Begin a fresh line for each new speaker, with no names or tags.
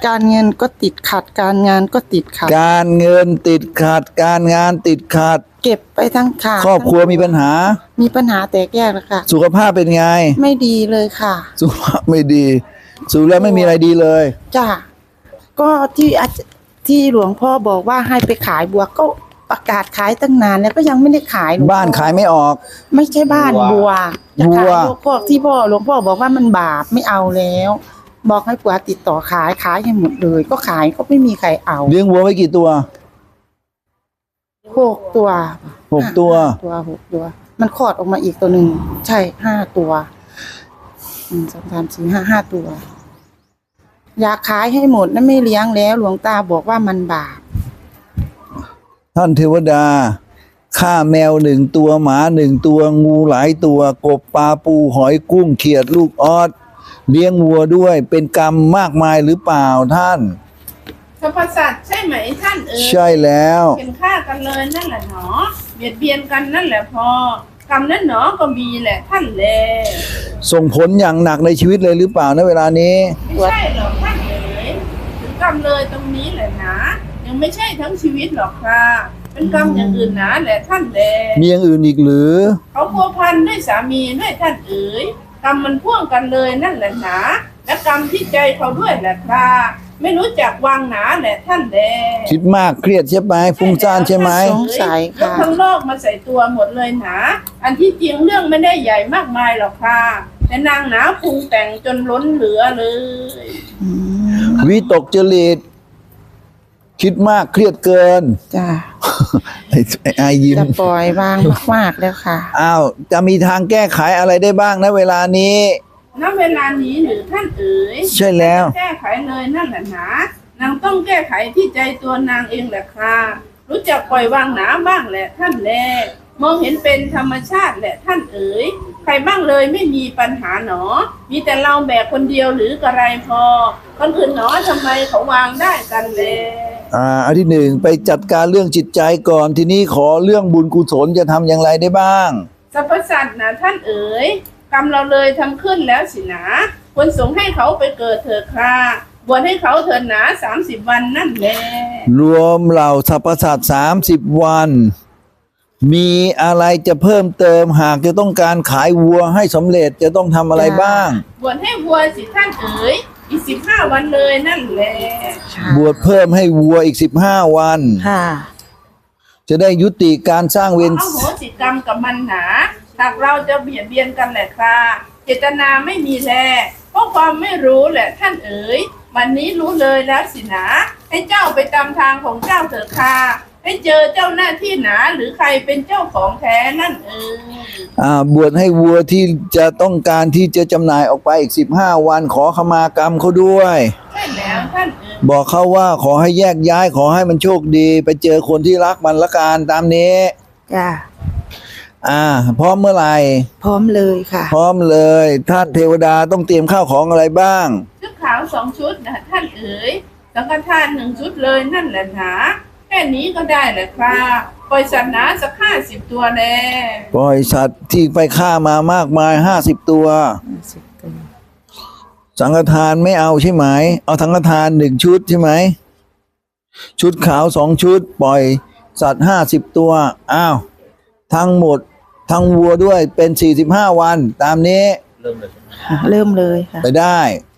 การเงินก็ติดขัดการงานก็ติดขัด
การเงินติดขัดการงานติดขัด
เก็บไปทั้งขาด
ครอบครัวมีปัญหา
แตกแยกแล้วค่ะ
สุขภาพเป็นไง
ไม่ดีเลยค่ะ
สุขภาพไม่ดีสูแล้วไม่มีอะไรดีเลย
จ้ะก็ที่หลวงพ่อบอกว่าให้ไปขายบัวก็ประกาศขายตั้งนานแล้วก็ยังไม่ได้ขาย
บ้านขายไม่ออก
ไม่ใช่บ้านบัวจะขายพวกที่หลวงพ่อบอกว่ามันบาปไม่เอาแล้วบอกให้ผัวติดต่อขายให้หมดเลยก็ขายก็ไม่มีใครเอา
เลี้ยงวัวไว้กี่ตัว
6 ตัว6 ตัวมันคลอดออกมาอีกตัวหนึ่งใช่5 ตัว1 2 3 4 5 5 ตัวอยากขายให้หมดนะไม่เลี้ยงแล้วหลวงตาบอกว่ามันบาป
ท่านเทวดาฆ่าแมว1 ตัวหมา1 ตัวงูหลายตัวกบปลาปูหอยกุ้งเขียดลูกออสเลี้ยงวัวด้วยเป็นกรรมมากมายหรือเปล่าท่าน
สรรพสัตว์ใช่ไหมท่าน
ใช่แล้ว
เป็นฆ่ากันเลยนั่นแหละหนอเบียดเบียนกันนั่นแหละพอกรรมนั้นหนอก็มีแหละท่านแล
ส่งผลอย่างหนักในชีวิตเลยหรือเปล่าณเวลานี้
ไม่ใช่หรอกท่านถึงกรรมเลยตรงนี้แหละนะยังไม่ใช่ทั้งชีวิตหรอกค่ะเป็นกรรมอย่างอื่นนะแหละท่านแล
มีอย่างอื่นอีกหรือ
เขาพัวพันด้วยสามีด้วยท่านกรรมมันพ่วงกันเลยนั่นแหละนะและกรรมที่ใจเขาด้วยแหละค่ะไม่รู้จักวางหนาแหละท่านแล
คิดมากเครียดใช่ไหมฟุ้งซ่านใช่ไหม
สงสัยค่ะ
ทั้งโลกมาใส่ตัวหมดเลยนะอันที่จริงเรื่องไม่ได้ใหญ่มากมายหรอกค่ะแต่นางหนาปรุงแต่งจนล้นเหลือเลย
วิตกจริตคิดมากเครียดเกิน
จ้า
ไอ้ยิ้ม
จะปล่อยวางมากๆแล้วค่ะ
อ้าวจะมีทางแก้ไขอะไรได้บ้างนะเวลานี้
ณเวลานี้หรือท่าน
ใช่แล้ว
แก้ไขเลยนั่นแหละนะนางต้องแก้ไขที่ใจตัวนางเองแหละค่ะรู้จักปล่อยวางหนาบ้างแหละท่านแลมองเห็นเป็นธรรมชาติแหละท่านใครบ้างเลยไม่มีปัญหาหนอมีแต่เราแบกคนเดียวหรือกระไรพอคนอื่นหนอทำไมเขาวางได้กันเลย
อันที่ 1ไปจัดการเรื่องจิตใจก่อนทีนี้ขอเรื่องบุญกุศลจะทำอย่างไรได้บ้าง
สรรพสัตว์นะท่านกรรมเราเลยทำขึ้นแล้วสินะควรส่งให้เขาไปเกิดเถิดค่ะบวชให้เขาเถิดหนา30 วันนั่นแหละ
รวมเหล่าสรรพสัตว์30 วันมีอะไรจะเพิ่มเติมหากจะต้องการขายวัวให้สำเร็จจะต้องทำอะไรบ้าง
บวชให้วัวสิท่านอีก15 วันเลยนั่นแหละ
บวชเพิ่มให้วัวอีก15 วัน
ค่ะ
จะได้ยุติการสร้างเวร
อโหสิกรรมกับมันหนาหากเราจะเบียดเบียนกันแหละค่ะเจตนาไม่มีแลเพราะความไม่รู้แหละท่านวันนี้รู้เลยแล้วสินะให้เจ้าไปตามทางของเจ้าเถิดค่ะให้เจอเจ้าหน้าที่หนาหรือใครเป็นเจ้าของแท้นั่น
บวชให้วัวที่จะต้องการที่จะจำหน่ายออกไปอีก15 วันขอขมากรรมเขาด้วย
ใช่แล้วท่าน
บอกเขาว่าขอให้แยกย้ายขอให้มันโชคดีไปเจอคนที่รักมันละกันตามนี้
จ้า
พร้อมเมื่อไหร่
พร้อมเลยค่ะ
พร้อมเลยท่านเทวดาต้องเตรียมข้าวของอะไรบ้าง
ชุดขาว2 ชุดนะท่านสังฆทาน1 ชุดเลยนั่นแหละนะแค่นี้ก็ได้แหละครับปล่อยสัตว์หนาสัก50 ตัวแน่
ปล่อยสัตว์ที่ไปฆ่ามามากมาย50 ตัวสังฆทานไม่เอาใช่ไหมเอาสังฆทาน1 ชุดใช่ไหมชุดขาว2 ชุดปล่อยสัตว์50 ตัวทั้งหมดทั้งวัวด้วยเป็น45 วันตามนี้
เริ่มเลยค่ะ
ไปได้